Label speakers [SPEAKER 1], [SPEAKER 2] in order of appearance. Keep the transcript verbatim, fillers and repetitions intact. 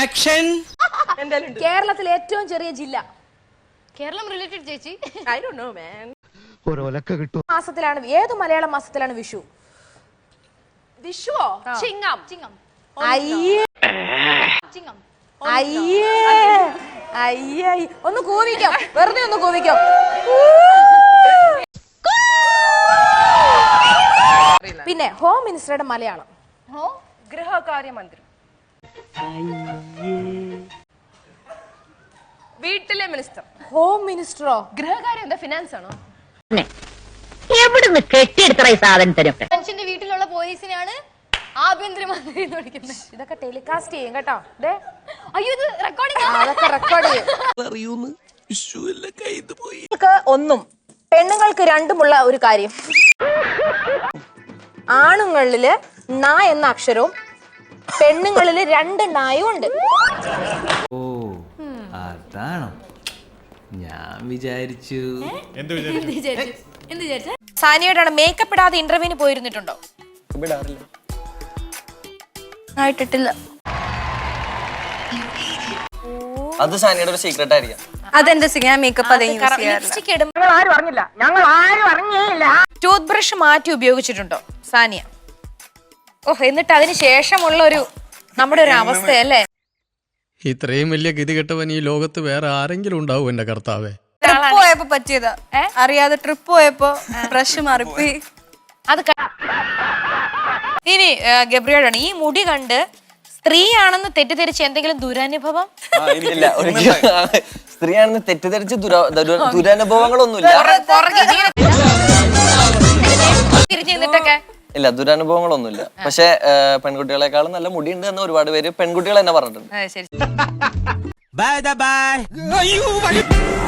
[SPEAKER 1] Action.
[SPEAKER 2] കേരളത്തിലെ ഏറ്റവും ചെറിയ ജില്ല.
[SPEAKER 3] കേരളം റിലേറ്റഡ് ചേച്ചി.
[SPEAKER 2] I don't know man.
[SPEAKER 4] ഒരൊലക്ക കിട്ടും.
[SPEAKER 2] മാസത്തിലാണ് ഏത് മലയാളം മാസത്തിലാണ് വിഷു? വിഷുവോ?
[SPEAKER 3] ചിങ്ങം. ചിങ്ങം.
[SPEAKER 2] അയ്യേ
[SPEAKER 3] ചിങ്ങം.
[SPEAKER 2] അയ്യേ അയ്യേ ഒന്ന് കൂവിക്കോ, വെറുതെ ഒന്ന് കൂവിക്കോ. പിന്നെ ഹോം മിനിസ്റ്ററുടെ മലയാളം?
[SPEAKER 3] ഹോ
[SPEAKER 5] ഗൃഹകാര്യമന്ത്രി. വീട്ടിലെ മിനിസ്റ്റർ.
[SPEAKER 2] ഹോം മിനിസ്റ്ററോ?
[SPEAKER 5] ഗൃഹകാര്യം എന്താ ഫിനാൻസ് ആണോ?
[SPEAKER 6] എവിടുന്ന് കെട്ടിയെടുത്ത ഈ സാധനത്തിനൊക്കെ?
[SPEAKER 3] മനുഷ്യന്റെ വീട്ടിലുള്ള പോലീസിനാണ് ആഭ്യന്തരമന്ത്രി എന്ന് വിളിക്കുന്നത്.
[SPEAKER 2] ഇതൊക്കെ ടെലികാസ്റ്റ് ചെയ്യും കേട്ടോ. ദേ
[SPEAKER 3] അയ്യോ ഇത് റെക്കോർഡിംഗ്.
[SPEAKER 2] അതൊക്കെ റെക്കോർഡ് ചെയ്യും.
[SPEAKER 1] അറിയൂന്ന് വിഷുവല്ല കയ്യിൽ പോയി.
[SPEAKER 2] ഒന്നും പെണ്ണുങ്ങൾക്ക് രണ്ടുമുള്ള ഒരു കാര്യം. ആണുങ്ങളില് ന എന്ന അക്ഷരവും പെണ്ണുങ്ങളില് രണ്ട് നായും ഉണ്ട്.
[SPEAKER 7] ഓ അതാണോ? ഞാൻ വിചാരിച്ചു.
[SPEAKER 2] സാനിയോടാണ് മേക്കപ്പ് ഇടാതെ ഇന്റർവ്യൂവിന് പോയിരുന്നിട്ടുണ്ടോ?
[SPEAKER 3] ആയിട്ടില്ല.
[SPEAKER 8] അത് സാനിയുടെ ഒരു സീക്രട്ട് ആയിരിക്കാം.
[SPEAKER 3] അതെന്റെ ഞാൻ മേക്കപ്പ്
[SPEAKER 2] ലിപ്സ്റ്റിക് ഇടും. ടൂത്ത് ബ്രഷ് മാറ്റി ഉപയോഗിച്ചിട്ടുണ്ടോ സാനിയ? ഓഹ്, എന്നിട്ട് അതിന് ശേഷമുള്ള ഒരു നമ്മുടെ ഒരു അവസ്ഥയല്ലേ?
[SPEAKER 9] ഇത്രയും വലിയ ഗതികെട്ടവൻ ഈ ലോകത്ത് വേറെ ആരെങ്കിലും ഉണ്ടാവും എന്റെ കർത്താവേ.
[SPEAKER 3] ട്രിപ്പ് പോയപ്പോ പറ്റിയതാ, അറിയാതെ ട്രിപ്പ് പോയപ്പോ ബ്രഷ് മാറിപ്പോയി.
[SPEAKER 2] അത് ഇനി ഗബ്രിയോടാണ്, ഈ മുടി കണ്ട് സ്ത്രീയാണെന്ന് തെറ്റിദ്ധരിച്ച് എന്തെങ്കിലും ദുരനുഭവം?
[SPEAKER 8] ഇല്ല, സ്ത്രീയാണെന്ന് തെറ്റിദ്ധരിച്ച് ദുരനുഭവങ്ങളൊന്നുമില്ല.
[SPEAKER 2] തിരിഞ്ഞു നിന്നിട്ടൊക്കെ
[SPEAKER 8] ഇല്ല, ദുരനുഭവങ്ങളൊന്നുമില്ല. പക്ഷെ പെൺകുട്ടികളെക്കാളും നല്ല മുടിയുണ്ട് എന്ന് ഒരുപാട് പേര് പെൺകുട്ടികൾ തന്നെ പറഞ്ഞിട്ടുണ്ട്.
[SPEAKER 2] ശരി.
[SPEAKER 1] Bye by.